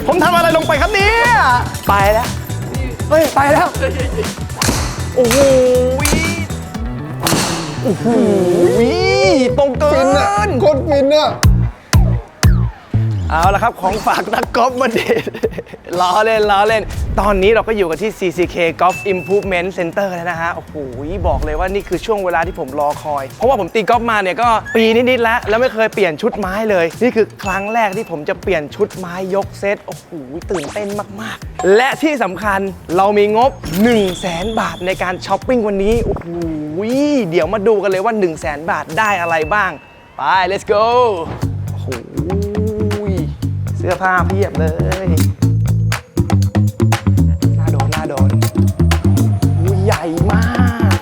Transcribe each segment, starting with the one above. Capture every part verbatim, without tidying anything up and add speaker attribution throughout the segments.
Speaker 1: ผมทำอะไรลงไปครับเนี่ยไปแล้วเฮ้ยไปแล้วโอ้โหโอ้โหตรงเกิน
Speaker 2: โคตรฟินอะ
Speaker 1: เอาละครับของฝากนักกอล์ฟมาเด็ดล้อเล่นล้อเล่นตอนนี้เราก็อยู่กันที่ ซี ซี เค Golf Improvement Center แล้วนะฮะโอ้โหบอกเลยว่านี่คือช่วงเวลาที่ผมรอคอยเพราะว่าผมตีกอล์ฟมาเนี่ยก็ปีนิดๆแล้วแล้วไม่เคยเปลี่ยนชุดไม้เลยนี่คือครั้งแรกที่ผมจะเปลี่ยนชุดไม้ยกเซตโอ้โหตื่นเต้นมากๆและที่สำคัญเรามีงบ หนึ่งแสน บาทในการช้อปปิ้งวันนี้โอ้โหเดี๋ยวมาดูกันเลยว่า หนึ่งแสน บาทได้อะไรบ้างไป let's go โอ้โหเสื้อผ้าเพียบเลยน่าโดนน่าโดนอุ้ยใหญ่มาก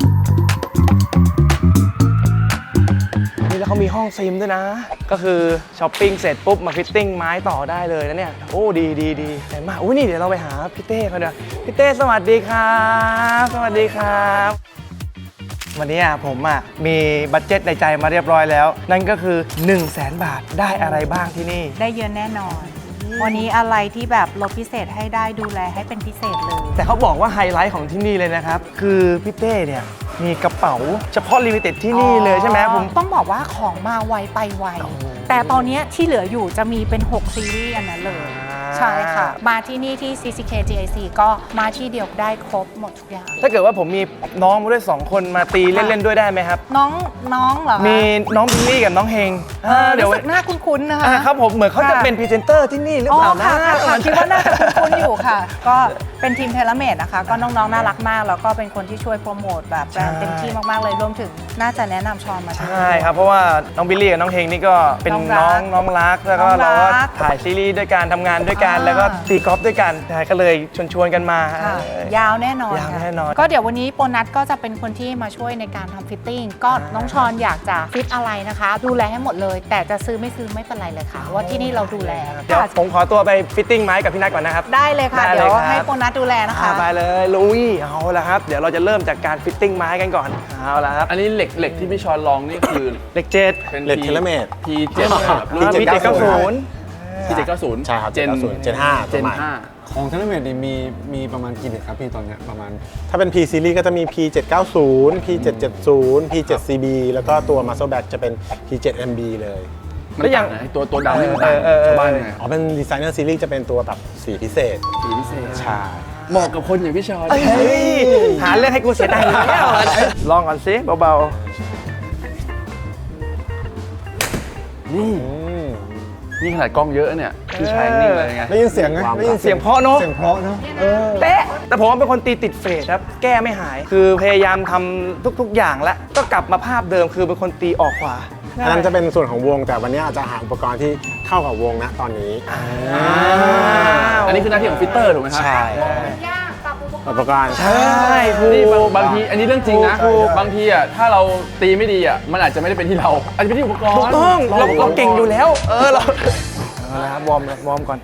Speaker 1: นี่แล้วเขามีห้องซิมด้วยนะ ก็คือช้อปปิ้งเสร็จปุ๊บมาฟิตติ้งไม้ต่อได้เลยนะเนี่ย โอ้ดีดีดีแต่มากอุ้ยนี่เดี๋ยวเราไปหาพี่เต้เขาเดี๋ยวพี่เต้สวัสดีครับสวัสดีครับวันนี้ผมอ่ะมีบัดเจ็ตในใจมาเรียบร้อยแล้วนั่นก็คือ หนึ่งแสน บาทได้อะไรบ้างที่นี่
Speaker 3: ได้เยอะแน่นอน วันนี้อะไรที่แบบลดพิเศษให้ได้ดูแลให้เป็นพิเศษเลย
Speaker 1: แต่เขาบอกว่าไฮไลท์ของที่นี่เลยนะครับคือพี่เต้เนี่ยมีกระเป๋าเฉพาะลิมิเต็ดที่นี่เลยใช่ไหมผม
Speaker 3: ต้องบอกว่าของมาไวไปไวแต่ตอนนี้ที่เหลืออยู่จะมีเป็นหกซีรีส์อันนั้นเลยใช่ค่ะมาที่นี่ที่ ซี ซี เค จี ไอ ซี ก็มาที่เดียวได้ครบหมดทุกอย่าง
Speaker 1: ถ้าเกิดว่าผมมีน้องมาด้วยสองคนมาตีเล่นๆด้วยได้ไหมครับ
Speaker 3: น้องน้องเหรอ
Speaker 1: มีน้องบิลลี่กับน้องเฮง
Speaker 3: เดี๋ยวหน้าคุ้นๆนะคะ
Speaker 1: ครับผมเหมือนเขาจะเป็นพรีเซนเตอร์ที่นี่หรือเปล่านะ
Speaker 3: คิดว่าน่าจะคุ้นๆอยู่ค่ะก็เป็นทีมเทเลเมดนะคะก็น้องๆน่ารักมากแล้วก็เป็นคนที่ช่วยโปรโมทแบบแบรนด์เต็มที่มากๆเลยรวมถึงน่าจะแนะนำชอนมา
Speaker 1: ใช่ครับเพราะว่าน้องบิลลี่กับน้องเฮงนี่ก็เป็นน้องน้องรักแล้วก็เราก็ถ่ายซีรีส์ด้วยกันทำงานด้วยกันแล้วก็ตีกอล์ฟด้วยกันก็เลยชวนๆกันมาย
Speaker 3: าวแน่นอน
Speaker 1: ยาวแน่นอน
Speaker 3: ก็เดี๋ยววันนี้โปรนัทก็จะเป็นคนที่มาช่วยในการทำฟิตติ้งก็น้องชอนอยากจะฟิตอะไรนะคะดูแลให้หมดเลยแต่จะซื้อไม่ซื้อไม่เป็นไรเลยค่ะว่าที่นี่เราดูแล
Speaker 1: เดี๋ยวผมขอตัวไปฟิตติ้งไม้กับพี่นัทก่อนนะครับ
Speaker 3: ได้เลยค่ะเดี๋ยวให้โปรนัทดูแลนะคะ
Speaker 1: ไปเลยลุยเอาละครับเดี๋ยวเราจะเริ่มจากการฟิตติ้งไม้กันก่อนเอาละครับ
Speaker 4: อันนี้เหล็กเหล็กที่พี่ชอนลองนี่คือ
Speaker 1: เหล็กเจ็ด
Speaker 2: เป็นเหล็กเทเลเมต
Speaker 4: พี เจ็ด
Speaker 1: รุ่นพี เจ็ดเก้าศูนย์
Speaker 4: พี เจ็ดเก้าศูนย์
Speaker 2: ใช่ครับเจนเจนห้า
Speaker 4: เจนห้า
Speaker 5: ของเทเลเมตนี่มีมีประมาณกี่เหล็กครับพี่ตอนนี้ประมาณ
Speaker 2: ถ้าเป็น P Series ก็จะมี พี เจ็ดเก้าศูนย์ พี เจ็ดเจ็ดศูนย์ พี เจ็ด ซี บี แล้วก็ตัว Muscle Back จะเป็น พี เจ็ด เอ็ม บี เลย
Speaker 4: แล้วอย่างตัวตัวดำนี่มันต่างชาวบ้านไง
Speaker 2: อ๋อเป็น Designer Series จะเป็นตัวแบบสีพิเศษ
Speaker 4: สีพิเศษ
Speaker 2: ใช่
Speaker 4: เหมาะกับคนอย่างพี่ชอน
Speaker 1: หาเรื่องให้กูเสียดายแล้วลองก่อนสิเบา
Speaker 4: ๆนี่นี่ขนาดกล้องเยอะเนี่ยพี่ชายนิ่งเลยไง
Speaker 2: ได้ยินเสียงไหมได้ยิน
Speaker 1: เสียงเพราะเนาะ
Speaker 2: เสียงเพราะเนาะ
Speaker 1: เป๊ะแต่ผมเป็นคนตีติดเฟสครับแก้ไม่หายคือพยายามทำทุกๆอย่างแล้วก็กลับมาภาพเดิมคือเป็นคนตีออกขวา
Speaker 2: อันนั้นจะเป็นส่วนของวงแต่วันนี้อาจจะหาอุปกรณ์ที่เข้ากับวงนะตอนนี้
Speaker 4: อันนี้คือหน้าที่ของฟิตเตอร์ถูกไหมครับ
Speaker 2: ใช่อุปกรณ์
Speaker 1: ใช่
Speaker 4: นี่บางทีอันนี้เรื่องจริงนะบางทีอ่ะถ้าเราตีไม่ดีอ่ะมันอาจจะไม่ได้เป็นที่เราอาจจะเป็นที่อุปกรณ์
Speaker 1: ถูกต้องเราเราเก่งอยู่แล้วเออเราเอาละครับวอร์มวอร์มก่อน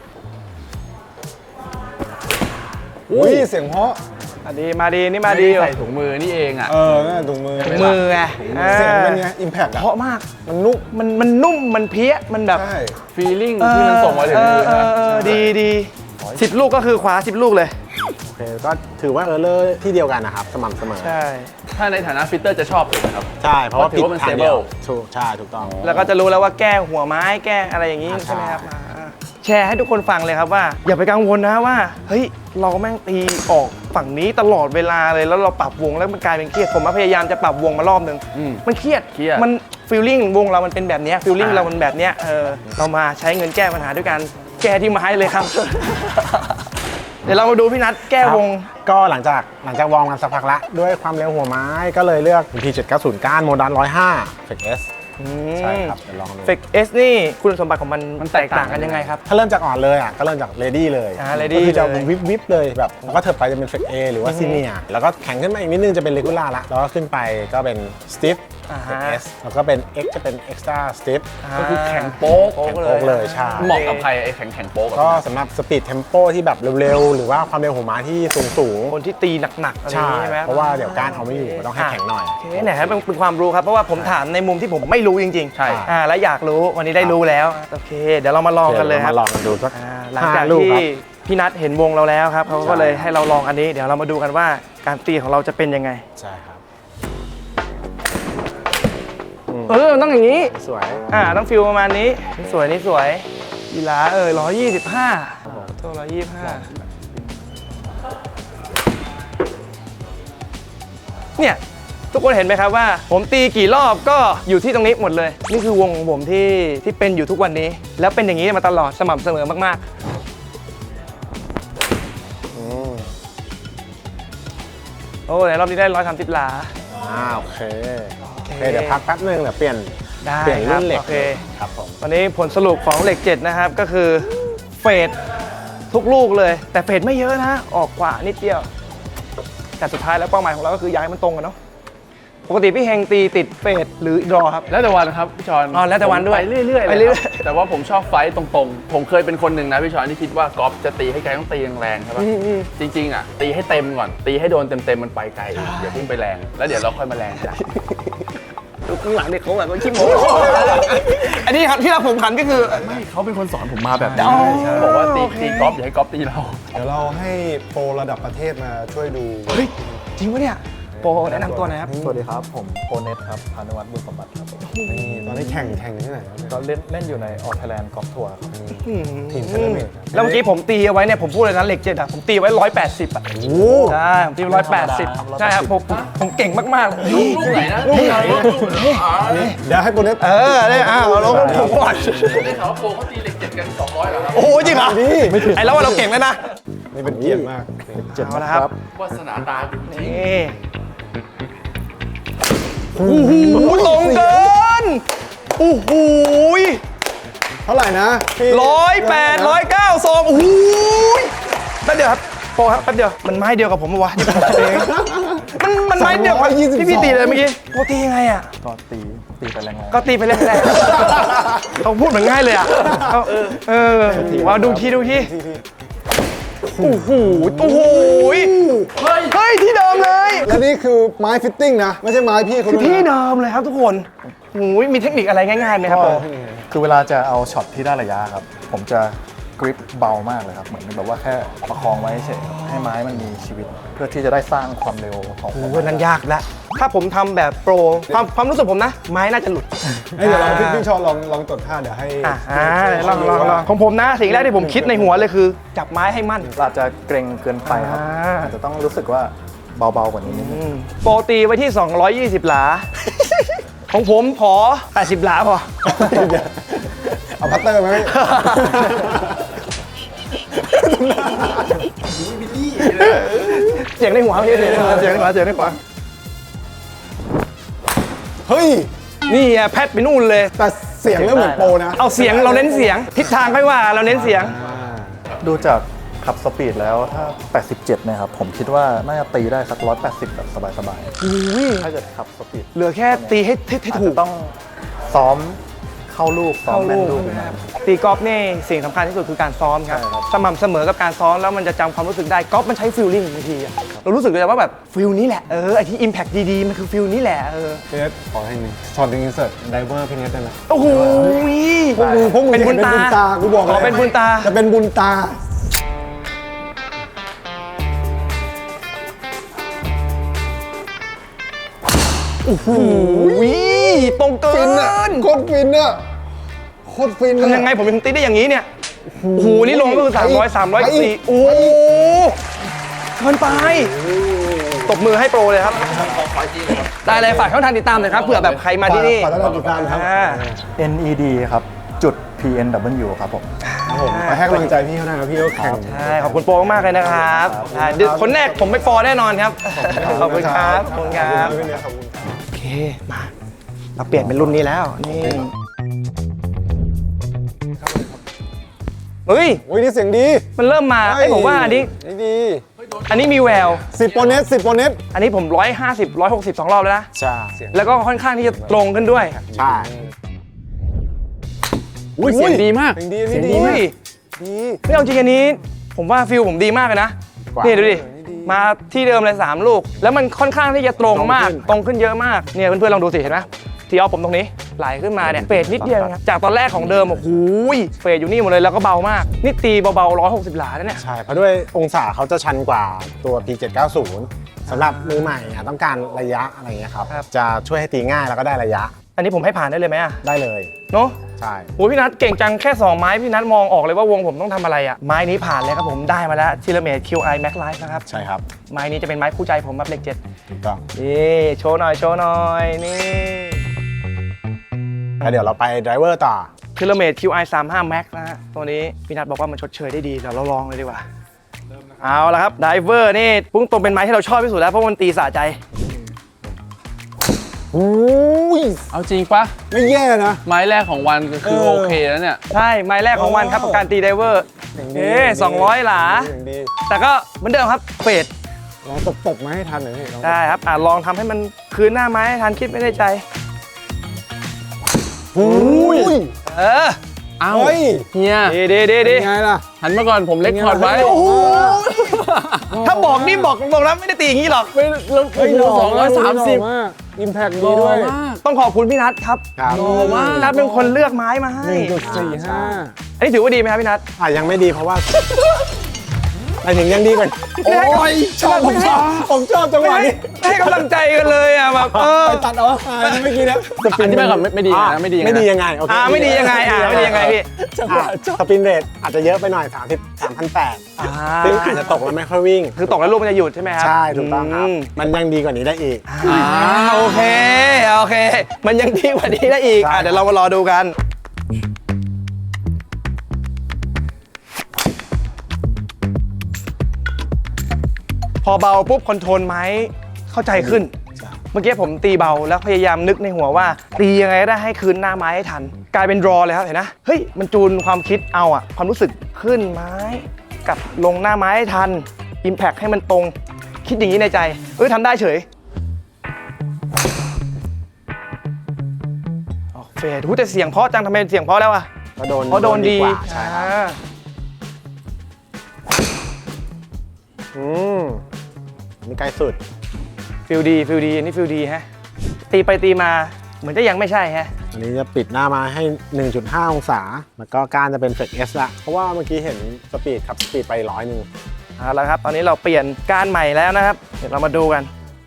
Speaker 2: อุ้ยเสียงเพราะ
Speaker 1: มาดีมาดีนี่มาดี
Speaker 4: ใส่ถุงมือนี่เองอ่ะ
Speaker 2: เออถุงมือ
Speaker 1: ถุงมือไง
Speaker 2: เสียงเป็นไงอิมแพค
Speaker 1: เพราะมากมันนุ่มมันมันนุ่มมันเพี้ยมันแบบ
Speaker 4: ฟีลลิ่งที่มันส่งมาถึงมือนะ
Speaker 1: ดีดีสิบลูกก็คือขวาสิบลูกเลย
Speaker 2: โอเคก็ถือว่าเออเลอร์ที่เดียวกันนะครับสม่ำเสมอ
Speaker 1: ใช่
Speaker 4: ถ้าในฐานะฟิตเตอร์จะชอบถูกไหมครับ
Speaker 2: ใช่เพราะว่า
Speaker 4: ถือว่ามัน stable
Speaker 2: ถูกใช่ถูกต้อง
Speaker 1: แล้วก็จะรู้แล้วว่าแก้หัวไม้แก้อะไรอย่างนี้ใช่ไหมครับแชร์ให้ทุกคนฟังเลยครับว่าอย่าไปกังวลนะว่าเฮ้ยเราแม่งตีออกฝั่งนี้ตลอดเวลาเลยแล้วเราปรับวงแล้วมันกลายเป็นเครียดผมพยายามจะปรับวงมารอบนึงมันเครียดมันฟีลลิ่งวงเรามันเป็นแบบนี้ฟีลลิ่งเรามันแบบนี้เออเรามาใช้เงินแก้ปัญหาด้วยกันแก้ที่ไม้เลยครับเดี๋ยวเรามาดูพี่นัทแก้วง
Speaker 2: ก็หลังจากหลังจากวอร์มกันสักพักละด้วยความเร็วหัวไม้ก็เลยเลือก พี เจ็ดเก้าศูนย์ ก้านโมดันหนึ่งร้อยห้า เฟก เอส ใช่ครับเดี๋ยวลองดู
Speaker 1: เฟก เอส นี่คุณสมบัติของมันมันแตกต่างกันยังไงครับ
Speaker 2: ถ้าเริ่มจากอ่อนเลยอ่ะก็เริ่มจากเลดี้เลยก็คือจะวิบวิบเลยแบบแล้วก็เถิดไปจะเป็นเฟก เอ หรือว่าซีเนียแล้วก็แข็งขึ้นมาอีกนิดนึงจะเป็นเลกูล่าละแล้วก็ขึ้นไปก็เป็นสติฟเฟก เอส แล้วก็เป็น X จะเป็น Extra Stiff
Speaker 4: ก็คือแข็งโป๊ก
Speaker 2: แข็งโป๊กเลยใช่
Speaker 4: เหมาะกับใครไอ้แข็งแข็งโป๊ก
Speaker 2: ก็สำหรับสปีดเทมโปที่แบบเร็วๆหรือว่าความเร็วหัวม้าที่สูงสูง
Speaker 1: คนที่ตีหนักๆอะไรใช่ไหม
Speaker 2: เพราะว่าเดี๋ยวการเอาไม่อยู่ต้องให้แข็งหน่อย
Speaker 1: โอเคไหนครับเป็นความรู้ครับเพราะว่าผมถามในมุมที่ผมไม่รู้จริงๆ
Speaker 4: ใช่
Speaker 1: และอยากรู้วันนี้ได้รู้แล้วโอเคเดี๋ยวเรามาลองกันเลยครับ
Speaker 2: มาลองกันดูสัก
Speaker 1: หลังจาก
Speaker 2: ห้าลูก
Speaker 1: ที่
Speaker 2: ครับ
Speaker 1: พี่นัทเห็นวงเราแล้วครับเขาก็เลยให้เราลองอันนี้ เดี๋ยวเรามาดูกันว่าการตีของเราจะเป็นยังไง
Speaker 2: ใช่ครับ
Speaker 1: เออต้องอย่างนี้
Speaker 2: สวย
Speaker 1: อ่าต้องฟิลประมาณนี้นี่สวยนี่สวยยีราเออร้อยยี่สิบห้าตัวร้อยยี่สิบห้าเนี่ยทุกคนเห็นไหมครับว่า ผมตีกี่รอบก็อยู่ที่ตรงนี้หมดเลย นี่คือวงของผมที่ที่เป็นอยู่ทุกวันนี้ แล้วเป็นอย่างนี้มาตลอดสม่ำเสมอมากๆโอ้ในรอบนี้ได้ร้อยสามสิบหลา
Speaker 2: อ่าโอเคโอเคเดี๋ยวพักแป๊บนึงเดี๋ยวเปลี่ยน
Speaker 1: ได้
Speaker 2: เปลี่ยนรุ่นเหล็ก
Speaker 1: โอเค
Speaker 2: ครับผม
Speaker 1: วันนี้ผลสรุปของเหล็กเจ็ดนะครับก็คือเฟดทุกลูกเลย แต่เฟดไม่เยอะนะออกกว่านิดเดียว แต่สุดท้ายแล้วเป้าหมายของเราก็คืออยากให้มันตรงกันเนาะปกติพี่เฮงตีติดเฟดหรือดรอครับ
Speaker 4: แล้วแต่วันครับพี่ชอน
Speaker 1: อ๋อแล้วแต่วันด้วย
Speaker 4: ไปเรื่อยๆ
Speaker 1: ไป
Speaker 4: เลย
Speaker 1: เรื่อย
Speaker 4: ครับแต่ว่าผมชอบไฟต์ตรงๆ ผมเคยเป็นคนหนึ่งนะพี่ชอนที่คิดว่ากอล์ฟจะตีให้ไกลต้องตีแรงๆใช่ปะจริงๆอ่ะตีให้เต็มก่อน ตีให้โดนเต็มๆมันไปไกลอย่าเพิ่งไปแรง แล้วเดี๋ยวเราค่อยมาแรงจ้ะ
Speaker 1: ข้างหลังเนี่ยเขาแบบว่าขี้โม้อันนี้ครับที่เราผมขันก็คือ
Speaker 4: ไม่เขาเป็นคนสอนผมมาแบบนี้
Speaker 1: อ๋อ
Speaker 4: บอกว่าตีตีกอล์ฟอย่าให้กอล์ฟตีเรา
Speaker 5: เดี๋ยวเราให้โปรระดับประเทศมาช่วยดู
Speaker 1: เฮ้ยจริงปะเนี่ยโปรแนะนำตัวหน่อยครับ
Speaker 6: สวัสดีครับ ผมโปเน็ตครับพานุวัฒน์บุญสมบัติครับผม
Speaker 5: นี่ตอนนี้แข่งแข่งที่ไหนครับเนี่ย
Speaker 6: ก็เล่นเล่นอยู่ในออ ไทยแลนด์กอล์ฟทัวร์ครับ
Speaker 5: ทีมเซเลเมตครับ
Speaker 1: แล้วเมื่อกี้ผมตีเอาไว้เนี่ยผมพูดเลยนะเหล็กเจ็ดอะผมตีไว้ร้อยแปดสิบอะใช่ผมตีไว้ร้อยแปดสิบใช่ครับผมผมเก่งมากๆเลย
Speaker 4: ลูกไหนนะลูกไหนลูกไหน
Speaker 5: เดี๋ยวให้โปรเน็ต
Speaker 1: เออได้อ้าวเราก็ผมก่อน
Speaker 4: ได้ข่าวว่าโปรเขาตีเหล็กเจ็ดกันสองร้อยเหรอครับ
Speaker 1: โอ้โหจริงเหรอไอ้แล้วว่าเราเก่งแล้วนะ
Speaker 5: นี่เป็นเกียรติมาก
Speaker 1: เอาละครับ
Speaker 4: วาสนาตาจริง
Speaker 1: นี่โอ้โหตรงเกินโอ้โห
Speaker 5: เท่าไหร่นะพี่
Speaker 1: ร้อยแปดร้อยเก้าสองโอ้โหแป๊บเดียวครับโปรครับแป๊บเดียวมันไม้เดียวกับผมปะวะที่ผมตีเองมันมันไม้เดียวกับที่พี่ตีเลยเมื่อกี้โปรตียังไงอ่ะ
Speaker 6: ก็ตีตีไปแรงๆ
Speaker 1: ก็ตีไปเรื่อยๆเขาพูดเหมือนง่ายเลยอ่ะเขาเออว่าดูทีดูทีโอ้โหโอ้โหเฮ้ยเฮ้ยที่เดิมเลย
Speaker 5: และนี่คือไม้ฟิตติ้งนะ ไม่ใช่ไม้พี่เขา
Speaker 1: คือ
Speaker 5: ด้วย
Speaker 1: ที่
Speaker 5: นะ
Speaker 1: เดิมเลยครับทุกคนโอ้ยมีเทคนิคอะไรง่ายๆไหมครับโปร
Speaker 6: คือเวลาจะเอาช็อตที่ได้ระยะครับ ผมจะกริปเบามากเลยครับ เหมือนแบบว่าแค่ประคองไว้เฉยๆให้ไม้มันมีชีวิต เพื่อที่จะได้สร้างความเร็วของ
Speaker 1: โอ้โหนั้นยากละถ้าผมทำแบบโปรความความรู้สึกผมนะ ไม้น่าจะหลุด
Speaker 5: เอ้ยเดี๋ยวเราพี่พี่ชอลองลองตดท่าเดี๋ยวให้
Speaker 1: อ่ะอ่าลองลองลองของผมนะสิ่งแรกที่ผมคิดในหัวเลยคือ จับไม้ให้มั่น
Speaker 6: อาจจะเกรงเกินไปครับ
Speaker 1: อ่า
Speaker 6: อาจจะต้องรู้สึกว่าเบาๆกว่านี้นิดนึง
Speaker 1: อืมโปรตีไว้ที่ สองร้อยยี่สิบ หลา ของผมขอ แปดสิบ หลาพอ
Speaker 5: เอาพัตเตอร์ไหม
Speaker 1: เสียงในหัวพี่เสียงในหัวเสียงในหัวเสียงในหัว
Speaker 5: เฮ้ย
Speaker 1: นี่อ่ะแพทไปนู่นเลย
Speaker 5: แต่เสียงเริ่มเหมือนโปรนะ
Speaker 1: เอาเสียงเราเน้นเสียง ทิศทางค่อยว่าเราเน้นเสียง
Speaker 6: ดูจากขับสปีดแล้วถ้า แปดสิบเจ็ดนะครับ ผมคิดว่าน่าจะตีได้สักหนึ่งร้อยแปดสิบแบบสบายๆถ้าเกิดขับสปีด
Speaker 1: เหลือแค่ตีให้ให้ให้
Speaker 6: อาจ
Speaker 1: ถู
Speaker 6: จะ
Speaker 1: ก
Speaker 6: ต้องซ้อมเข้าลูกซ้อมแม่นลูกอยู่นะ
Speaker 1: ตีกอล์ฟนี่สิ่งสำคัญที่สุดคือการซ้อมครับ
Speaker 6: ใช่ครับ
Speaker 1: สม่ำเสมอกับการซ้อมแล้วมันจะจำความรู้สึกได้กอล์ฟมันใช้ฟิลลิ่งบางทีอะเรารู้สึกเลยว่าแบบฟิลนี้แหละเออไอที่ impact ดีๆ มันคือฟิลนี้แหละเออ
Speaker 5: พี่เนทขอให้หนึ่งช็อตหนึ่งอินเสิร์ตไดเวอร์พี่เนทได้ไหม
Speaker 1: โอ้โห
Speaker 5: พวกมึงพวกมึง
Speaker 1: เป็นบุญ
Speaker 5: ห็
Speaker 1: ตา
Speaker 5: ตากูบอกเลย
Speaker 1: อ๋อเป็นบุญตา
Speaker 5: จะเป็นบุญตา
Speaker 1: โอ้โหตรงเกิ
Speaker 5: ฟินอะ
Speaker 1: น
Speaker 5: โคตรฟินอะโคตรฟินอะ
Speaker 1: ทำยังไงผมถึงตีได้อย่างนี้เนี่ยโอ้โหนี่ลงก็คือสามร้อย สามร้อยสี่โอ้โหเกินไปตบมือให้โปรเลยครับได้เลยฝากช่องทางติดตามหน่อยครับเผื่อแบบใครมาที่นี่
Speaker 5: ขอต้อนรับติดตามครับ
Speaker 1: อ่า
Speaker 6: เอ็น อี ดี ครับ จุด พี เอ็น ดับเบิลยู ครับผม
Speaker 5: ครับผมไปให้กำลังใจพี่เขาได้ครับพี่เขาแข่ง
Speaker 1: ใช่ขอบคุณโปรมากๆเลยนะครับใช่เดี๋ยวคนแรกผมไม่ฟอร์แน่นอนครับ ขอบคุณครับขอบคุณครับ
Speaker 5: พี่เนทขอบคุณครับ
Speaker 1: โอเค มาเราเปลี่ยนเป็นรุ่นนี้แล้ว นี่เฮ้ย
Speaker 5: โอ้ยนี่เสียงดี
Speaker 1: มันเริ่มมาไอ้ยผมว่าอันนี้
Speaker 5: นี่ดี
Speaker 1: อันนี้มีแวว
Speaker 5: สิบโปรเนตสิบโปรเนต
Speaker 1: อันนี้ผมร้อยห้าสิบ ร้อยหกสิบสองรอบแล้วนะ
Speaker 5: ใช่
Speaker 1: แล้วก็ค่อนข้างที่จะตรงขึ้นด้วย
Speaker 5: ใช่
Speaker 4: อุ้ยเสียงดีมาก
Speaker 5: เสียงดี
Speaker 1: เสียง
Speaker 5: นี่
Speaker 1: ดี
Speaker 5: ดี
Speaker 1: ไหม
Speaker 5: ดี
Speaker 1: ไม่เอาจริงอันนี้ ผมว่าฟิลผมดีมากเลยนะ
Speaker 5: กว่า
Speaker 1: นี่ดูดิ
Speaker 5: นี่ดี
Speaker 1: มาที่เดิมเลยสามลูก แล้วมันค่อนข้างที่จะตรงมาก
Speaker 5: ตรงขึ้น
Speaker 1: ตรงขึ้นเยอะมาก เนี่ยเพื่อนๆลองดูสิเห็นไหมทีออฟผมตรงนี้ไหลขึ้นมาเนี่ยเฟดนิดเดียวนะครับจากตอนแรกของเดิมโอ้โหเฟดอยู่นี่หมดเลยแล้วก็เบามากนี่ตีเบาๆหนึ่งร้อยหกสิบหลาแล้วเนี่ย
Speaker 2: ใช่เพราะด้วยองศาเขาจะชันกว่าตัว พี เจ็ดเก้าศูนย์ สำหรับมือใหม่อะต้องการระยะอะไรอย่างเงี้ยครับจะช่วยให้ตีง่ายแล้วก็ได้ระยะ
Speaker 1: อันนี้ผมให้ผ่านได้เลยไหมอะ
Speaker 2: ได้เลย
Speaker 1: เนาะ
Speaker 2: ใช่
Speaker 1: โอ้พี่นัทเก่งจังแค่สองไม้พี่นัทมองออกเลยว่าวงผมต้องทำอะไรอะไม้นี้ผ่านเลยครับผมได้มาแล้วทีละเมตร คิว ไอ Max Life นะครับ
Speaker 2: ใช่ครับ
Speaker 1: ไม้นี้จะเป็นไม้คู่ใจผมแบบเลขเจ็ด
Speaker 2: ถูกต้อง
Speaker 1: นี่โชว์หน่อยโชว์หน่อยนี่
Speaker 2: แล้วเดี๋ยวเราไปไดรเวอร์ต่อ
Speaker 1: ทีละเมตร คิว ไอ สามสิบห้า Max นะฮะตัวนี้พี่นัทบอกว่ามันชดเชยได้ดีเดี๋ยวเราลองเลยดีกว่าเอาละครับไดเวอร์นี่พุ่งตรงเป็นไม้ที่เราชอบที่สุดแล้วเพราะมันตีสะใจ
Speaker 2: อุ้ย
Speaker 4: เอาจริงปะ
Speaker 2: ไม่แย่นะ
Speaker 4: ไม้แรกของวันก็คือ
Speaker 2: เออ
Speaker 4: โอเคแล้วเนี่ย
Speaker 1: ใช่ไม้แรกของวันครับกับการตีไดเวอร์
Speaker 2: อย่างดี
Speaker 1: เอ๊สองร้อยหลา
Speaker 2: อย่างดี
Speaker 1: แต่ก็เหมือนเดิมครับเฟด
Speaker 2: ลองตบตบๆมาให้ทันหน่อยพี่ลองตบ
Speaker 1: ได้ครับอ่ะลองทำให้มันคืนหน้าไม้ให้ทันคิดไม่ได้ใจ
Speaker 2: อุ้ย
Speaker 1: เออ
Speaker 4: เอ้า
Speaker 2: เฮ้ย
Speaker 4: เฮีย
Speaker 1: ดีดีดีดี
Speaker 2: ยังไงล่ะ
Speaker 4: หันมาก่อนผมเล็กคอร์ดไว้
Speaker 2: โอ้โห
Speaker 1: ถ้าบอกนี่บอกตรงๆนะไม่ได้ตีอย่างนี้หรอก
Speaker 4: ไม่แล้วโอ้โหสองร้อยสามสิบ
Speaker 2: อิมแพคดีด้วย
Speaker 1: ต้องขอบคุณพี่นัทครับ
Speaker 2: ครับ
Speaker 4: โอ้มาก
Speaker 1: พี่นัทเป็นคนเลือกไม้มาให้
Speaker 2: หนึ่งจุดสี่ห้า
Speaker 1: อันนี้ถือว่าดีไหมครับพี่นัท
Speaker 2: อ่ะยังไม่ดีเพราะว่าไปถึงยังดีกว่า
Speaker 1: ไม่ให้
Speaker 2: โอ้ยชอบผมชอบผมชอบจังหวะนี้
Speaker 1: ให้กำลังใจกันเลยอ่ะแบบเออ
Speaker 2: ไปตัดเอาอ่าเมื่อกี้นะ
Speaker 4: อันที่ไม่ก่อนไม่ไม่ดีนะไม่ดีนะ
Speaker 2: ไม่ดียังไงโอเค
Speaker 1: อ่าไม่ดียังไงอ่าไม่ดียังไงพี่
Speaker 2: อ่ะสปินเรทอาจจะเยอะไปหน่อย สามสิบ สามพันแปดร้อย
Speaker 1: อ่า
Speaker 2: ซึ่งอาจจะตกแล้วไม่ค่อยวิ่ง
Speaker 1: คือตกแล้วลูกมันจะหยุดใช่ไหมครับ
Speaker 2: ใช่ถูกต้องครับ
Speaker 1: ม
Speaker 2: มันยังดีกว่านี้ได้อีก
Speaker 1: อ่าโอเคโอเค มันยังดีกว่านี้ได้อีก
Speaker 2: ใช่
Speaker 1: อ่ะเดี๋ยวเรามารอดูกัน พอเบาปุ๊บคอนโทรลไม้เข้าใจขึ้น เมื่อกี้ผมตีเบาแล้วพยายามนึกในหัวว่า ตียังไงก็ได้ให้คืนหน้าไม้ให้ทัน กลายเป็นรอเลยครับเห็นนะเฮ้ยมันจูนความคิดเอาอะความรู้สึกขึ้นไม้กับลงหน้าไม้ให้ทัน Impact ให้มันตรงคิดอย่างนี้ในใจเอ้ยทำได้เฉยออกเฟดหูแต่เสียงเพราะจังทำไมเสียงเพราะแล้วอะ
Speaker 2: ก็โดน
Speaker 1: เพราะโดนดี
Speaker 2: กว่าใช่ครับ
Speaker 1: อ่า
Speaker 2: อืมนี่ใกล้สุด
Speaker 1: ฟิลดีฟิลดีอันนี้ฟิลดีฮะตีไปตีมาเหมือนจะยังไม่ใช่ฮะ
Speaker 2: อันนี้จะปิดหน้ามาให้ หนึ่งจุดห้า องศา แล้วก็ก้านจะเป็นเฟกเอสละเพราะว่าเมื่อกี้เห็นสปีดขับสปีดไปร้อยหนึ่ง
Speaker 1: เอาละครับตอนนี้เราเปลี่ยนการใหม่แล้วนะครับเดี๋ยวเรามาดูกัน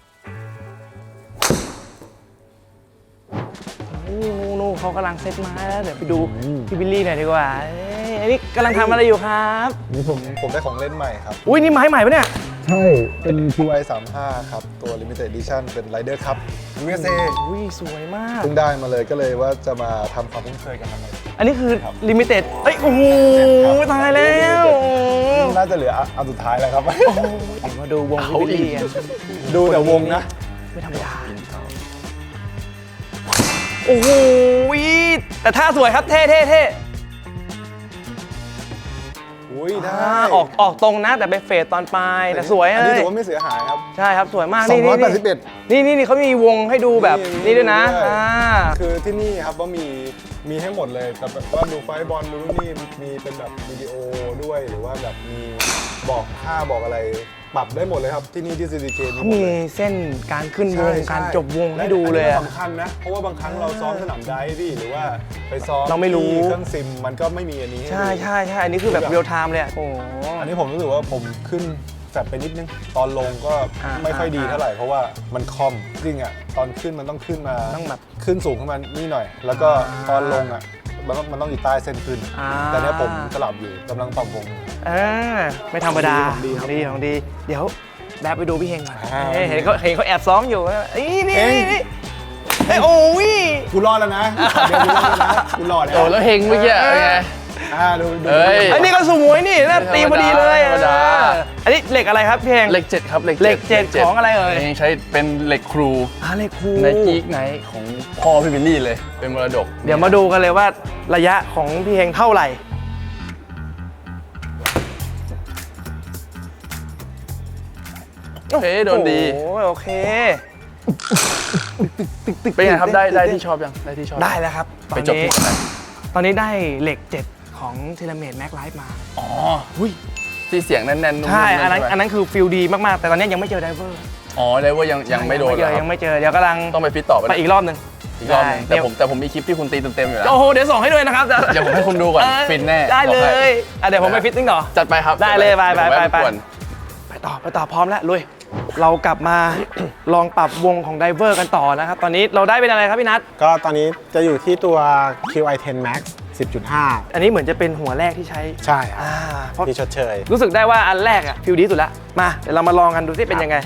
Speaker 1: นู่นนู่นเขากำลังเซตมาแล้วเดี๋ยวไปดูพี่บิลลี่หน่อยดีกว่าเอ้ยอันนี้กำลังทำอะไรอยู่ครับ
Speaker 6: นี่ผมผมได้ของเล่นใหม่ครับ
Speaker 1: อุ้ยนี่ไม้ใหม่ปะเนี่ย
Speaker 6: ใช่ เป็น คิว ไอ สามสิบห้า ครับ ตัว Limited Edition เป็น Rider Cup ยู เอส เอ
Speaker 1: อุ้ยสวยมาก
Speaker 6: เพิ่งได้มาเลยก็เลยว่าจะมาทำความคุ้นเคยกันทำไม
Speaker 1: อันนี้คือลิมิเต็ดเอ้ยโอ้โหตายแล้ว
Speaker 6: น่าจะเหลืออันสุดท้ายแล้วครับ
Speaker 1: เดี๋ยวมาดูวงพี่บิลลี่กัน
Speaker 6: ดูแต่วงนะ
Speaker 1: ไม่ธรรมดาโอ้โหแต่ท่าสวยครับเท่เท่เท่
Speaker 6: อุ้ยได้
Speaker 1: อ่าออกออกตรงนะแต่ไปเฟดตอนปลายแต่สวย
Speaker 6: อันนี้
Speaker 1: เลย
Speaker 6: ถือว่าไม่เสียหายครับ
Speaker 1: ใช่ครับสวยมาก
Speaker 6: สอ
Speaker 1: นี่
Speaker 6: งร้อยแปด
Speaker 1: นี่
Speaker 6: สิบเอ็ด
Speaker 1: นี่นี่นี่เขามีวงให้ดูแบบนี้ด้วยนะ
Speaker 6: ด้วย
Speaker 1: อ่า
Speaker 6: คือที่นี่ครับว่ามีมีให้หมดเลยแต่แบบว่าดูไฟบอลดูนู่นนี่มีเป็นแบบวิดีโอด้วยหรือว่าแบบมีบอกค่าบอกอะไรปรับได้หมดเลยครับที่นี่ที่ ซี ซี เค
Speaker 1: เขามีเส้นการขึ้นว
Speaker 6: ใช่
Speaker 1: ง
Speaker 6: ใช่
Speaker 1: การจบวงให้ดูเลย
Speaker 6: และ
Speaker 1: อะ
Speaker 6: อันนี้ก็สำคัญนะ เพราะว่าบางครั้งเราซ้อมสนามไดฟ์พี่หรือว่าไปซ้อม
Speaker 1: เราไม่รู้
Speaker 6: ที่เครื่องซิมมันก็ไม่มีอันนี้ห้
Speaker 1: ใช่
Speaker 6: ดู
Speaker 1: ใช่ใช่อันนี้คือแบบเรียลไทม์เลยอะโอ้โห
Speaker 6: อันนี้ผมรู้สึกว่าผมขึ้นแฟบไปนิดนึง ตอนลงก็
Speaker 1: อ่า
Speaker 6: ไม่ค่อยดี
Speaker 1: อ่า
Speaker 6: เท่าไหร่ เพราะว่ามันคอมจริงอ่ะตอนขึ้นมันต้องขึ้นมา
Speaker 1: ต้องแบบ
Speaker 6: ขึ้นสูงขึ้นมานี่หน่อย แล้วก็
Speaker 1: อ่า
Speaker 6: ตอนลงอ่ะมันต้องมันต้องอยู่ใต้เส้นขึ้น
Speaker 1: อ่า
Speaker 6: แต่เนี้ยผมสลับอยู่กำลังปรับวง
Speaker 1: เออไม่ธรรมดา
Speaker 6: ของดีครับ
Speaker 1: ดีของดี เดี๋ยวแบบไปดูพี่เฮงก่อน
Speaker 6: อ่า
Speaker 1: เอ้ยเห็นเขาเห็นเขาแอบซ้อมอยู่เอ้ยนี่
Speaker 6: เฮง
Speaker 1: นี่นี่เอ้ยโอ้ย
Speaker 6: กูรอดแล้วนะเดี๋ยวกูรอดแล้วนะกูรอดแล้ว
Speaker 4: โอ้แล้วเฮงเมื่อกี้เป็นไง
Speaker 6: อ่าดูดู
Speaker 4: เอ้ย
Speaker 1: อันนี้ก็สมวยนี่น่าตีพอดีเลย
Speaker 4: ธรรมดา
Speaker 1: เอออันนี้เหล็กอะไรครับพี่เฮง
Speaker 4: เหล็กเจ็ดครับเหล็ก
Speaker 1: เหล็กเจ็ดของอะไรเอ่ย
Speaker 4: เฮงใช้เป็นเหล็กครู
Speaker 1: อ่าเหล็กคู
Speaker 4: ในกีกไนท์ของพ่อพี่บิลลี่เลยเป็นมรดก
Speaker 1: เดี๋ยวมาดูกันเลยว่าระยะของพี่เฮงเท่าไหร่
Speaker 4: โอเคโดนดี
Speaker 1: โอ้โอเค
Speaker 4: เป็นไงครับได้ได้ที่ชอบยังได้ที่ชอบ
Speaker 1: ได้แล้วครับตอ
Speaker 4: ไป
Speaker 1: น
Speaker 4: จบ
Speaker 1: นี้
Speaker 4: ที่ไหน
Speaker 1: ตอนนี้ได้เหล็กเจ็ดของเทเลเมดแม็กไลฟ์มา
Speaker 4: อ๋อหุ้ยที่เสียงแน่นๆนุ่มๆ
Speaker 1: ใช่ อันนั้น
Speaker 4: ใช่ไหม
Speaker 1: อันนั้นคือฟิลดีมาก ๆ แต่ตอนนี้ยังไม่เจอไดเวอร์
Speaker 4: อ๋อได้ว่ายังยังไม่โดน
Speaker 1: เจอ
Speaker 4: เหรอ
Speaker 1: ยังไม่เจอ เดี๋ยวกำลัง
Speaker 4: ต้องไปฟิตต่อไป
Speaker 1: ไปอีกรอบหนึ่ง
Speaker 4: อีกรอบหนึง
Speaker 1: ได้
Speaker 4: แต่ผมแต่ผมมีคลิปที่คุณตีเต็มๆอยู่แล้ว
Speaker 1: โอ้โหเดี๋ยวส่งให้ด้วยนะครับ
Speaker 4: เดี๋ยวผมให้คุณดูก่อน
Speaker 1: เออ
Speaker 4: ฟินแน่
Speaker 1: ได้เล
Speaker 4: บอกให้
Speaker 1: ยอ่ะเดี๋ยวผมไปฟิตติ้งต่อ
Speaker 4: จัดไปครับ
Speaker 1: ได้เลยไปไปไปไป
Speaker 4: เดี๋ยวผมแวะรบกวน
Speaker 1: ไปต่อไปต่อพร้อมแล้วลุยเรากลับมา ลองปรับวงของไดเวอร์กันต่อนะครับ ตอนนี้เราได้เป็นอะไรครับพี่นัท
Speaker 2: ก็ตอนนี้จะอยู่ที่ตัว คิว ไอ เท็น Max สิบจุดห้า
Speaker 1: อันนี้เหมือนจะเป็นหัวแรกที่ใช้
Speaker 2: ใช่ครับ
Speaker 1: อ่าเพราะ
Speaker 2: ที่ชดเชย
Speaker 1: รู้สึกได้ว่าอันแรกอะฟิลดีสุดละมาเดี๋ยวเรามาลองกันดูสิเป็นยังไง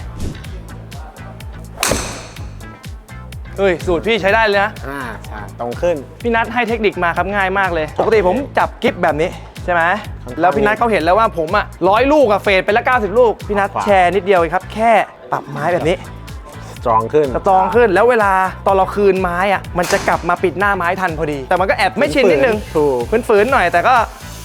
Speaker 1: เฮ้ยสูตรพี่ใช้ได้เลยนะ
Speaker 2: อ่าใช่ตรงขึ้น
Speaker 1: พี่นัทให้เทคนิคมาครับง่ายมากเลย ปกติผมจับกิฟแบบนี้ใช่ไหม
Speaker 2: ครับ
Speaker 1: แล้วพี่นัทเขาเห็นแล้วว่าผมอะร้อยลูกอะเฟดไปละเก้าสิบลูก พี่นัท
Speaker 2: ขวา
Speaker 1: แชร์นิดเดียวเองครับ แค่ปรับไม้แบบนี้
Speaker 2: สตรองขึ้น
Speaker 1: สตรองขึ้นแล้วเวลาตอนเราคืนไม้อะมันจะกลับมาปิดหน้าไม้ทันพอดี แต่มันก็แอบไม่ชินนิดนึง
Speaker 2: ถูก
Speaker 1: ฝืนๆหน่อยแต่ก็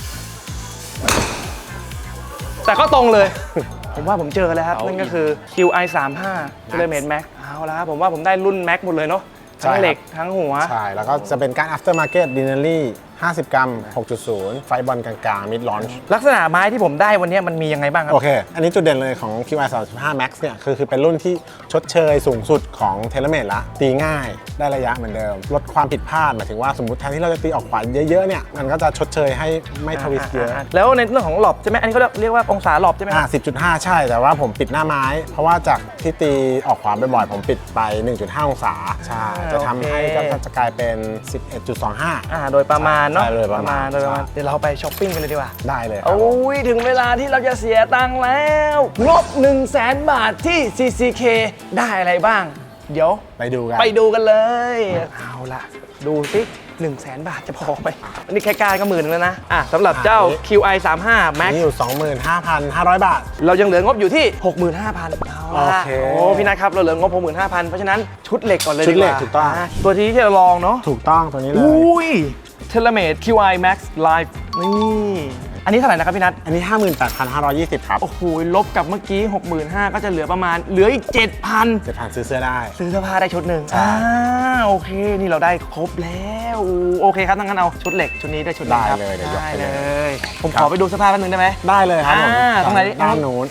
Speaker 1: แต่ก็ตรงเลย ผมว่าผมเจอแล้วครับ
Speaker 4: เอาอีก
Speaker 1: นั่นก็คือ คิว ไอ สามสิบห้า Filament Max เอาละครับผมว่าผมได้รุ่น Max หมดเลยเนาะทั้งเหล็กทั้งหัว
Speaker 2: ใช่ แล้วก็จะเป็นการ after market dinnery ห้าสิบ กรัม หกจุดศูนย์ ไฟบอลกลางๆ mid launch
Speaker 1: ลักษณะไม้ที่ผมได้วันนี้มันมียังไงบ้างครับ
Speaker 2: โอเค อันนี้จุดเด่นเลยของ คิว ไอ สามสิบห้า Max เนี่ยคือคือเป็นรุ่นที่ชดเชยสูงสุดของ TaylorMade ละ ตีง่ายได้ระยะเหมือนเดิม ลดความผิดพลาดหมายถึงว่าสมมติแทนที่เราจะตีออกขวาเยอะๆเนี่ยมันก็จะชดเชยให้ไม่ทวิสต์เยอะ
Speaker 1: แล้วในเรื่องของหลบใช่ไหมอันนี้เขาเรียกว่าองศาหลบใช่ไหมค
Speaker 2: อ่า
Speaker 1: รับ
Speaker 2: สิบจุดห้า ใช่ แต่ว่าผมปิดหน้าไม้ เพราะว่าจากที่ตีออกขวาบ่อยๆผมปิดไป หนึ่งจุดห้า องศา ใช่ จะทำให้ก็จะกลายเป็น สิบเอ็ดจุดสองห้า
Speaker 1: อ่าโดยประมาณเนาะ
Speaker 2: ใช่โดยประมาณ
Speaker 1: โดยประมาณ
Speaker 2: ใช่
Speaker 1: เดี๋ยวเราไปช้อปปิ้งกันเลยดีกว่า
Speaker 2: ได้เลยครับ
Speaker 1: โอ้ยถึงเวลาที่เราจะเสียตังค์แล้วงบ1 0 0 0 0แสนบาทที่ ซี ซี เค ได้อะไรบ้าง เดี๋ยว
Speaker 2: ไปดูกัน
Speaker 1: ไปดูกันเลย เอาล่ะ ดูสิ1 0 0 0 0แสนบาทจะพอไหมอันนี้แค่การก็หมื่นนึงแล้วนะอ่ะสำหรับเจ้า คิว ไอ สามสิบห้า Max
Speaker 2: นี่อยู่ สองหมื่นห้าพันห้าร้อย บาท
Speaker 1: เรายังเหลืองบอยู่ที่ หกหมื่นห้าพัน เอาล่ะ
Speaker 2: โอเค
Speaker 1: โอ้พี่นัทครับเราเหลืองบ หกหมื่นห้าพัน เพราะฉะนั้นชุดเหล็กก่อนเลย
Speaker 2: ชุดเหล็ก
Speaker 1: ว่า
Speaker 2: ถูกต้อง
Speaker 1: ะตัวที่ที่เราลองเนาะ
Speaker 2: ถูกต้องตัวนี้เลย
Speaker 1: อุ้ย TaylorMade คิว ไอ Max Live นี่อันนี้เท่าไหร่นะครับพี่นัท
Speaker 2: อันนี้ ห้าหมื่นแปดพันห้าร้อยยี่สิบ ครับ
Speaker 1: โอ้โหลบกับเมื่อกี้ หกหมื่นห้าพัน ก็จะเหลือประมาณเหลืออีก เจ็ดพัน
Speaker 2: เจ็ดพันซื้อเสื้อได้
Speaker 1: ซื้อเสื้อผ้าได้ชุดหนึ่ง
Speaker 2: ใช่
Speaker 1: อ่าโอเค นี่เราได้ครบแล้วโอเคครับงั้นเอาชุดเหล็กชุดนี้ได้ชุดหนึงครับ
Speaker 2: ได้เลยเดี๋ยวยก
Speaker 1: ได้
Speaker 2: ไป
Speaker 1: เล
Speaker 2: เลย
Speaker 1: ย ผมขอไปดูเสื้อผ้าแป๊บนึงได้ไหม
Speaker 2: ได้เลยครับผม
Speaker 1: อ่าตรงไหน
Speaker 2: ด้านนู้น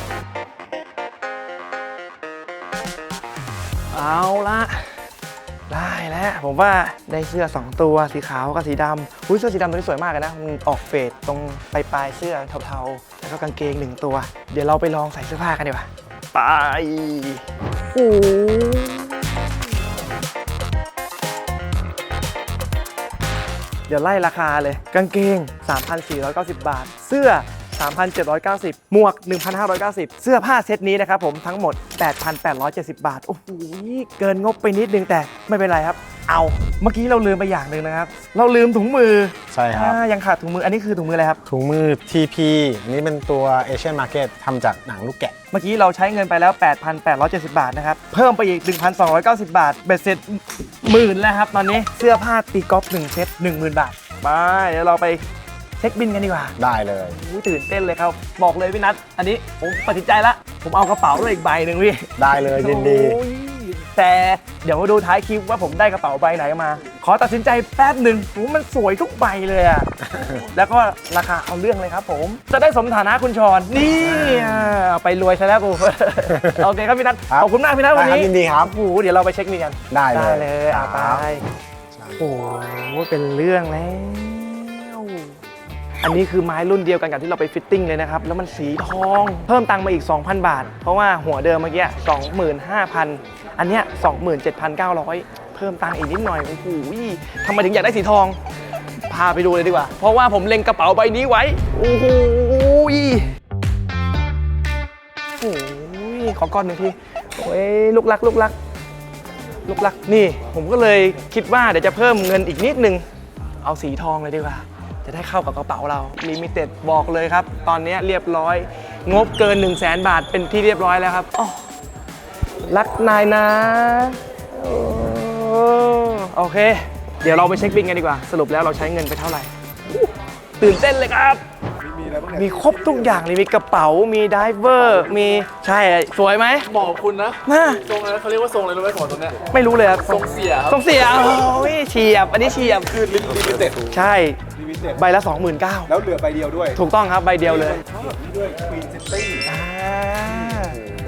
Speaker 1: เอาละได้แล้วผมว่าได้เสื้อสองตัวสีขาวกับสีดำอุ้ยเสื้อสีดำตัวนี้สวยมากเลยนะมันออกเฟดตรงปลายปลายๆเสื้อเทาๆแล้วก็กางเกงหนึ่งตัว เดี๋ยวเราไปลองใส่เสื้อผ้ากันดีกว่าไปโอ้เดี๋ยวไล่ราคาเลยกางเกง สามพันสี่ร้อยเก้าสิบ บาท เสื้อ สามพันเจ็ดร้อยเก้าสิบ หมวก หนึ่งพันห้าร้อยเก้าสิบ เสื้อผ้าเซตนี้นะครับผมทั้งหมด แปดพันแปดร้อยเจ็ดสิบ บาท โอ้โหเกินงบไปนิดนึงแต่ไม่เป็นไรครับ เอาเมื่อกี้เราลืมไปอย่างหนึ่งนะครับ เราลืมถุงมือ
Speaker 2: ใช่ครับ
Speaker 1: อ่ายังขาดถุงมืออันนี้คือถุงมืออะไรครับ
Speaker 2: ถุงมือ ที พี อันนี้เป็นตัว Asian Market ทำจากหนังลูกแกะ
Speaker 1: เมื่อกี้เราใช้เงินไปแล้ว แปดพันแปดร้อยเจ็ดสิบ บาทนะครับเพิ่มไปอีก หนึ่งพันสองร้อยเก้าสิบ บาทเบ็ดเสร็จหมื่นแล้วครับตอนนี้เสื้อผ้าตีกอล์ฟหนึ่งเซต หนึ่งหมื่น บาทไปเดี๋ยวเราไปเช็คบินกันดีกว่า
Speaker 2: ได้เลย
Speaker 1: อุ๊ยตื่นเต้นเลยครับ บอกเลยพี่นัทอันนี้ผมตัดสินใจละผมเอากระเป๋าด้วยอีกใบหนึ่งพี่
Speaker 2: ได้เลยยินดี
Speaker 1: โอ้ยแต่เดี๋ยวมาดูท้ายคลิปว่าผมได้กระเป๋าใบไหนมา ขอตัดสินใจแป๊บหนึ่งโอ้มันสวยทุกใบเลยอะ แล้วก็ราคาเอาเรื่องเลยครับผม จะได้สมฐานะคุณชอนนี่อ่ะไปรวยซะแล้วกู โอเคครับพี่นัท
Speaker 2: ครับ
Speaker 1: ขอบคุณมากพี่นัทวัน
Speaker 2: ได้ครับ
Speaker 1: นี้
Speaker 2: ยินดีครับ
Speaker 1: โอ้โหเดี๋ยวเราไปเช็คมีกัน
Speaker 2: ได้เลย
Speaker 1: เลยอ่ะ
Speaker 2: ค
Speaker 1: ไป
Speaker 2: รับ
Speaker 1: โอ้โหเป็นเรื่องแล้ว อันนี้คือไม้รุ่นเดียวกันกับที่เราไปฟิตติ้งเลยนะครับ แล้วมันสีทอง เพิ่มตังค์มาอีก สองพัน บาท เพราะว่าหัวเดิมเมื่อกี้ สองหมื่นห้าพัน อันเนี้ย สองหมื่นเจ็ดพันเก้าร้อย เพิ่มตังค์อีกนิดหน่อย โอ้โหทำไมถึงอยากได้สีทอง พาไปดูเลยดีกว่า เพราะว่าผมเล็งกระเป๋าใบนี้ไว้ โอ้โหโอ้ยขอก้อนหนึ่งทีโอ้ยลูกรักลูกรัก ลูกรักนี่ผมก็เลยคิดว่าเดี๋ยวจะเพิ่มเงินอีกนิดนึง เอาสีทองเลยดีกว่า จะได้เข้ากับกระเป๋าเราลิมิเต็ดบอกเลยครับ ตอนนี้เรียบร้อย งบเกิน 1 0 0 0 0แสนบาทเป็นที่เรียบร้อยแล้วครับอ้อรักนายนะโอ้โอเค เดี๋ยวเราไปเช็คบิลกันดีกว่า สรุปแล้วเราใช้เงินไปเท่าไหร่อู้ตื่นเต้นเลยครับ
Speaker 6: มีอะไรบ้างเนี่ย
Speaker 1: มีครบทุกอย่างเลยมีกระเป๋ามีไดเวอร์มีใช่สวยไหม
Speaker 4: บอกคุณนะ
Speaker 1: น่า
Speaker 4: ทรงอะไรนะเขาเรียกว่าทรงอะไรรู้ไหมของตัวเนี้ย
Speaker 1: ไม่รู้เลยครับ
Speaker 4: ทรงเสียครับ
Speaker 1: ทรงเสียโอ้ยเฉียบ อันนี้เฉียบ
Speaker 6: คือลิมิเต็ด
Speaker 1: ใช่
Speaker 6: ลิมิเต็ด
Speaker 1: ใบละ สองหมื่นเก้าพัน
Speaker 6: แล้วเหลือใบเดียวด้วย
Speaker 1: ถูกต้องครับใบเดียวเลย
Speaker 6: นี่ด้วย Queen City
Speaker 1: อ่า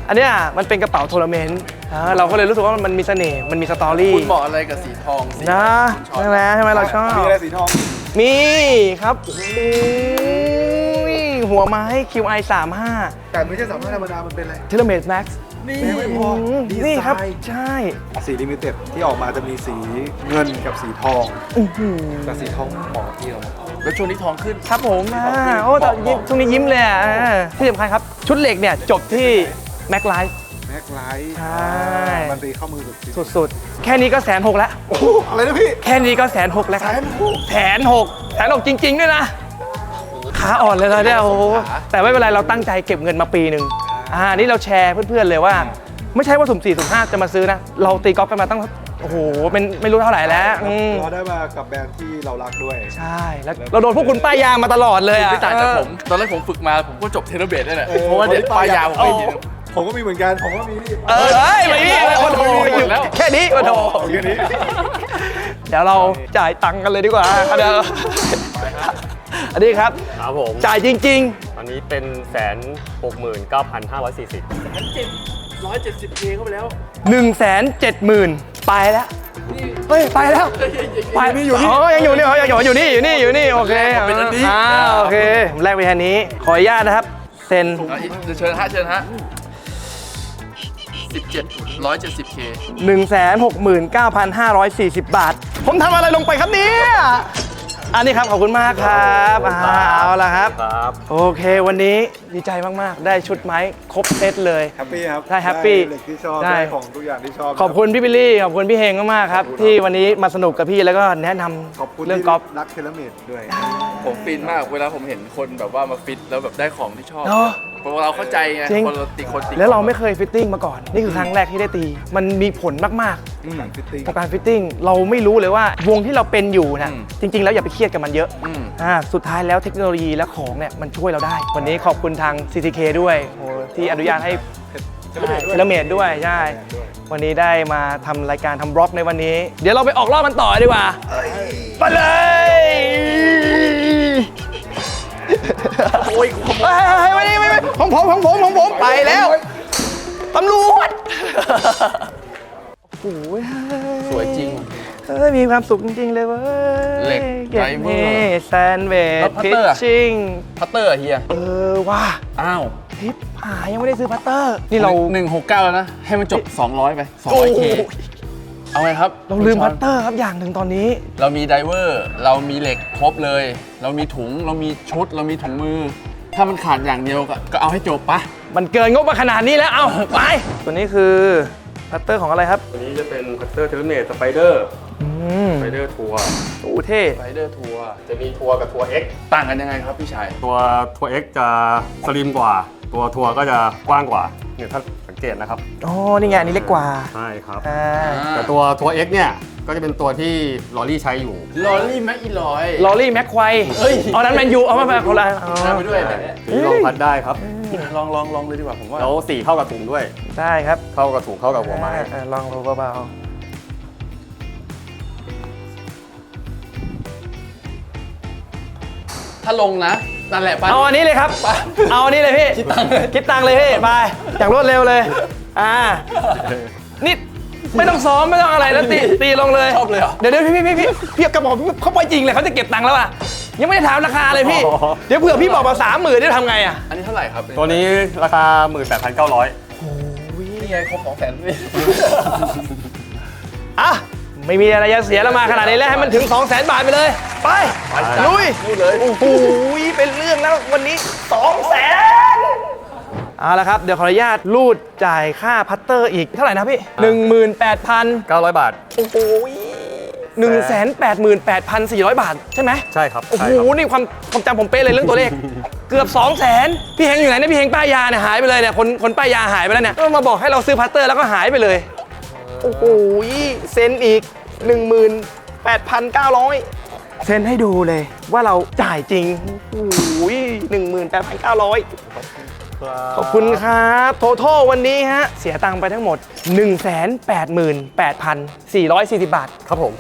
Speaker 1: อันเนี้ยมันเป็นกระเป๋าทัวร์นาเมนต์อ่าเราก็เลยรู้สึกว่ามันมีเสน่ห์มันมีสตอรี่
Speaker 4: คุณเหมาะอะไรกับสีทองสี
Speaker 1: นะใช่ไหมใช่ไหมเราชอบ
Speaker 6: มีอะไรสีทอง
Speaker 1: มีครับโอ้ยหัวไม้ คิว ไอ สามสิบห้า
Speaker 6: แต่ไม่ใช่สามารถธรรมดา มันเป็นอะไร
Speaker 1: เทเลเมตแม็กซ์
Speaker 6: นี่ไม่พอดีไซน์
Speaker 1: นี่ครับ ใช่
Speaker 6: สีลิมิเต็ดที่ออกมาจะมีสีเงินกับสีทอง แต่สีทองเหมาะกับที่เรา
Speaker 4: แล้วช่วงนี้ทองขึ้น
Speaker 1: ครับผมอ่าโอ้แต่ยิ้มช่วงนี้ยิ้มเลยอ่ะอ่าที่สำคัญครับ ชุดเหล็กเนี่ย จบที่แม็กไลฟ์
Speaker 6: แม็กไลท์
Speaker 1: ใช่
Speaker 6: มันตีเข้ามือสุดสี
Speaker 1: สุดๆ แค่นี้ก็แสนหกแล้ว
Speaker 6: โอ้โหอะไรนะพี่
Speaker 1: แค่นี้ก็แสนหกแล้วครับแสนหกแสนหกจริง ๆ ด้วยนะขาอ่อนเลยนะเนี่ยโอ้โหแต่ไม่เป็นไรเราตั้งใจเก็บเงินมาปีหนึ่งอ่านี่เราแชร์เพื่อนๆเลยว่า ไม่ใช่ว่าสุ่มสี่สุ่มห้าจะมาซื้อนะ เราตีกอล์ฟกันมาตั้งโอ้โหเป็นไม่รู้เท่าไหร่แล้วอืม
Speaker 6: เราได้มากับแบรนด์ที่เรารักด้วย
Speaker 1: ใช่แล้วเราโดนพวกคุณป้ายยามาตลอดเลยอ่ะ
Speaker 4: ไม่ต่างจากผม ตอนแรกผมฝึกมาผมก็จบเทเลเบตได้แหละเพราะว่าเด็ดปลายยาวผมไม่มี
Speaker 6: ผมก็มีเหมือนกัน ผมก็มีนี่
Speaker 1: เออเอ้ยไม่มีโอ้โห
Speaker 4: หมดแล้ว
Speaker 1: แค่นี้โอ้โห
Speaker 6: แค่นี้
Speaker 1: เดี๋ยวเราจ่ายตังค์กันเลยดีกว่าเดี๋ยวอันนี้ครับ
Speaker 7: ครับผม
Speaker 1: จ่ายจริง
Speaker 7: ตอนนี้เป็นแสนหกหมื่นเก้าพันห้าร้อยสี่สิบ
Speaker 4: ร้อยเจ็ดสิบเคเข้าไปแล้ว
Speaker 1: ๆ หนึ่งแสนเจ็ดหมื่นไปแล้ว เฮ้ย ไปแล้ว ไปนี่อยู่นี่อ๋อยังอยู่นี่อ๋อยังอยู่อยู่นี่อยู่นี่อยู่นี่โอเค
Speaker 4: เป็นอันนี้
Speaker 1: อ่าโอเคผมแลกไปแค่นี้ ขออนุญาตนะครับ เซ็น
Speaker 4: เชิญฮะเชิญฮะสิบเจ็ดร้อยเจ็ดสิบเค
Speaker 1: หนึ่งแสนหกหมื่นเก้าพันห้าร้อยสี่สิบ บาท ผมทำอะไรลงไปครับเนี่ยอันนี้ครับ ขอบคุณมากครับอ่าเอาละครับ
Speaker 7: ครับ
Speaker 1: โอเค วันนี้ดีใจมาก ๆ ได้ชุดไม้ครบเซตเลย
Speaker 6: แฮปปี้ครับ
Speaker 1: ใช่ happy
Speaker 6: ได้เหล็กที่ชอบ
Speaker 1: ได้
Speaker 6: ได้ของทุกอย่างที่ชอบ
Speaker 1: ขอบคุณพี่บิลลี่ ขอบคุณพี่เฮงมาก ๆ ครับ ที่วันนี้มาสนุกกับพี่แล้วก็แนะน
Speaker 6: ขอบคุณ
Speaker 1: ำเรื่อง
Speaker 6: ที่
Speaker 1: กอล์ฟ
Speaker 6: รักเทเลเมดด้วย
Speaker 4: ผมฟินมากเวลาผมเห็นคนแบบว่ามาฟิตแล้วแบบได้ของที่ชอบ
Speaker 1: เนอะ
Speaker 4: เพราะว่าเราเข้าใจไง
Speaker 1: จริง
Speaker 4: คนเราติคนติ
Speaker 1: แล้วเราไม่เคยฟิตติ้งมาก่อน นี่คือครั้งแรกที่ได้ตี มันมีผลมาก
Speaker 6: การฟิตติ้ง
Speaker 1: ๆกับการฟิตติ้ง เราไม่รู้เลยว่าวงที่เราเป็นอยู่นะจริง ๆ แล้วอย่าไปเครียดกับมันเยอะ
Speaker 4: อืม
Speaker 1: อ่าสุดท้ายแล้วเทคโนโลยีและของเนี่ยมันช่วยเราได้ วันนี้ขอบคุณทาง ซี ที เค ด้วยโอ้ที่อนุญาตให้เทเลเมดด้วยใช่ วันนี้ได้มาทำรายการทำบล็อกในวันนี้ เดี๋ยวเราไปออกรอบมันต่อดีกว่าไปเลยโอ้ยไม่ไม่ไม่ของผมของผมของผมไปแล้วตำรวจโอ้ย
Speaker 4: สวยจริง
Speaker 1: เอ้ยมีความสุขจริง ๆ เลยเว้ย
Speaker 4: เหล็ก
Speaker 1: เก็บ
Speaker 4: ไดเวอร์
Speaker 1: นี่แซนเว
Speaker 4: แล้
Speaker 1: ด
Speaker 4: วพัต
Speaker 1: พิ
Speaker 4: เต
Speaker 1: ช
Speaker 4: อร์อะ
Speaker 1: ชิ่ง
Speaker 4: พัตเตอร์อะเฮีย
Speaker 1: เออว่า
Speaker 4: อ้าว
Speaker 1: ทิปหายังไม่ได้ซื้อพัตเตอร์ นี่เรา
Speaker 4: หนึ่งหกเก้าแล้วนะ ให้มันจบ สองร้อยไป สองร้อยเค เอาไงครับ
Speaker 1: เราลืมพัตเตอร์ครับอย่างหนึ่งตอนนี้
Speaker 4: เรามีไดเวอร์ เรามีเหล็กครบเลย เรามีถุง เรามีชุด เรามีถุงมือ ถ้ามันขาดอย่างเดียวก็ก็เอาให้จบปะ
Speaker 1: มันเกินงบมาขนาดนี้แล้ว เอาไป ตัวนี้คือพัตเตอร์ของอะไรครับ
Speaker 7: ตัวนี้จะเป็นพัตเตอร์เทเลเมตสไปเดอร์
Speaker 1: อืม
Speaker 7: สไปเดอร์ทัวร์
Speaker 1: โอ้เท่
Speaker 4: ไรเดอร์ทัวร์
Speaker 7: จะมีทัวร์กับทัวร์ X
Speaker 4: ต่างกันยังไงครับพี่ชาย
Speaker 7: ตัวทัวร์ X จะสลิมกว่า ตัวทัวร์ก็จะกว้างกว่าเนี่ยถ้าสังเกตนะครับ
Speaker 1: อ๋อ นี่ไงอันนี้เล็กกว่า
Speaker 7: ใช่ครับ
Speaker 1: อ่า
Speaker 7: แต่ตัวทัวร์ X เนี่ยก็จะเป็นตัวที่ลอรี่ใช้อยู่
Speaker 4: ลอรี่แม็กอีลอย
Speaker 1: ลอรี่แม็กควายเอานั้นแมนยูเอามาแบบคนละอ๋อ
Speaker 4: นั่งไปด้วยแบบเนี้ย
Speaker 7: ลองพัดได้ครับ
Speaker 4: ลองลองลองเลยดีกว่าผมว่า
Speaker 7: แล้วสีเข้ากับถุงด้วย
Speaker 1: ได้ครับ
Speaker 7: เข้ากับถุงเข้ากับหัวไม้
Speaker 1: อ่าลองดูเบา
Speaker 4: ถ้าลงนะ นั่นแหละ
Speaker 1: ๆ
Speaker 4: ปะ
Speaker 1: เอาอันนี้เลยครับ เอาอันนี้เลยพี่ คิดตังค์เลยคิดตังค์เลยพี่ ไปอย่างรวดเร็วเลย อ่า นี่ไม่ต้องซ้อมไม่ต้องอะไรแล้วตีตีลงเลย
Speaker 4: ชอบเลยเหรอ
Speaker 1: เดี๋ยวเดี๋ยวพี่พี่พี่พี่พี่กระบอกเขาไปจริงเลยเขาจะเก็บตังค์แล้วอ่ะ ยังไม่ได้ถามราคาเลยพี่
Speaker 7: อ๋อ
Speaker 1: เดี๋ยวเผื่อพี่บอกมาสามหมื่นได้ทำไงอ่ะ
Speaker 4: อันนี้เท่าไหร่ครับ
Speaker 7: ตัวนี้ราคา หนึ่งหมื่นแปดพันเก้าร้อย
Speaker 4: นี่ไงครบสองแสนพี่
Speaker 1: อ่ะ ไม่มีอะไรจะเสียแล้วมาขนาดนี้แล้วให้มันถึง สองแสน บาทไปเลย ไปลุย
Speaker 4: นู่นเลย
Speaker 1: โอ้โหเป็นเรื่องแล้ววันนี้ สองแสน เอาละครับ เดี๋ยวขออนุญาตรูดจ่ายค่าพัตเตอร์อีกเท่าไหร่นะพี่ หนึ่งหมื่นแปดพัน
Speaker 7: เก้าร้อยบาท
Speaker 1: โอ้โหหนึ่งแสนแปดหมื่นแปดพันสี่ร้อยบาท ใช่ไหม
Speaker 7: ใช่ครับ
Speaker 1: โอ้โห
Speaker 7: ใช่ครับ
Speaker 1: นี่ความความจำผมเป๊ะเลยเรื่องตัวเลข เกือบ 2 0 0 0 0 0 พี่เฮงอยู่ไหนเนี่ยพี่เฮงป้ายยาเนี่ยหายไปเลยเนี่ยคนคนป้ายยาหายไปแล้วเนี่ยก็มาบอกให้เราซื้อพัตเตอร์แล้วก็หายไปเลย โอ้โหเซ็นอีก หนึ่งหมื่นแปดพันเก้าร้อย เซ็นให้ดูเลยว่าเราจ่ายจริง โอ้โหหนึ่งหมื่นแปดพันเก้าร้อย ขอบคุณครับโททวันนี้ฮะ เสียตังค์ไปทั้งหมด หนึ่งแสนแปดหมื่นแปดพันสี่ร้อยสี่สิบ บาท
Speaker 7: ครับผม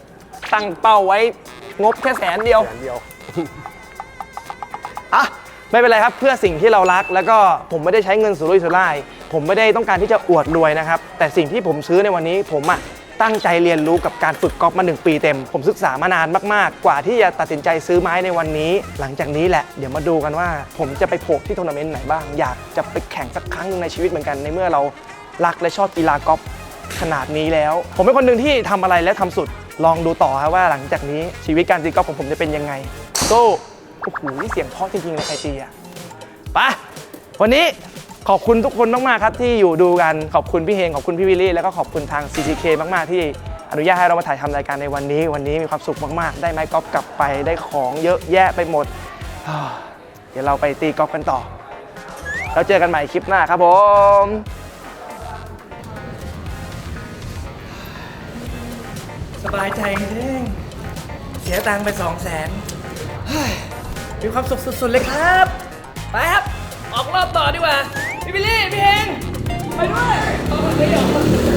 Speaker 1: ตั้งเป้าไว้งบแค่แสนเดียว
Speaker 7: แสนเดียว
Speaker 1: อ่ะไม่เป็นไรครับเพื่อสิ่งที่เรารักแล้วก็ผมไม่ได้ใช้เงินสุรุ่ยสุร่ายผมไม่ได้ต้องการที่จะอวดรวยนะครับแต่สิ่งที่ผมซื้อในวันนี้ผมอะตั้งใจเรียนรู้กับการฝึกกอล์ฟมาหนึ่งปีเต็มผมศึกษามานานมากๆกว่าที่จะตัดสินใจซื้อไม้ในวันนี้หลังจากนี้แหละเดี๋ยวมาดูกันว่าผมจะไปโผล่ที่ทัวร์นาเมนต์ไหนบ้างอยากจะไปแข่งสักครั้งหนึงในชีวิตเหมือนกันในเมื่อเรารักและชอบกีฬากอล์ฟขนาดนี้แล้วผมเป็นคนหนึ่งที่ทำอะไรและทำสุดลองดูต่อครับว่าหลังจากนี้ชีวิตการตีกอล์ฟของผมจะเป็นยังไงโซ่โอ้โหเสียงเพราะจริงๆเลยใครตีอะไปวันนี้ขอบคุณทุกคนมากๆครับที่อยู่ดูกันขอบคุณพี่เฮงขอบคุณพี่วิลลี่แล้วก็ขอบคุณทาง ซี ซี เค มากๆที่อนุญาตให้เรามาถ่ายทำรายการในวันนี้วันนี้มีความสุขมากๆได้ไม้กอล์ฟกลับไปได้ของเยอะแยะไปหมดเดี๋ยวเราไปตีกอล์ฟกันต่อแล้วเจอกันใหม่คลิปหน้าครับผมสบายใจจริงเสียตังค์ไปสองแสนมีความสุขสุดๆเลยครับไปครับออกรอบต่อดีกว่าพี่บิลลี่พี่เฮงไปด้วย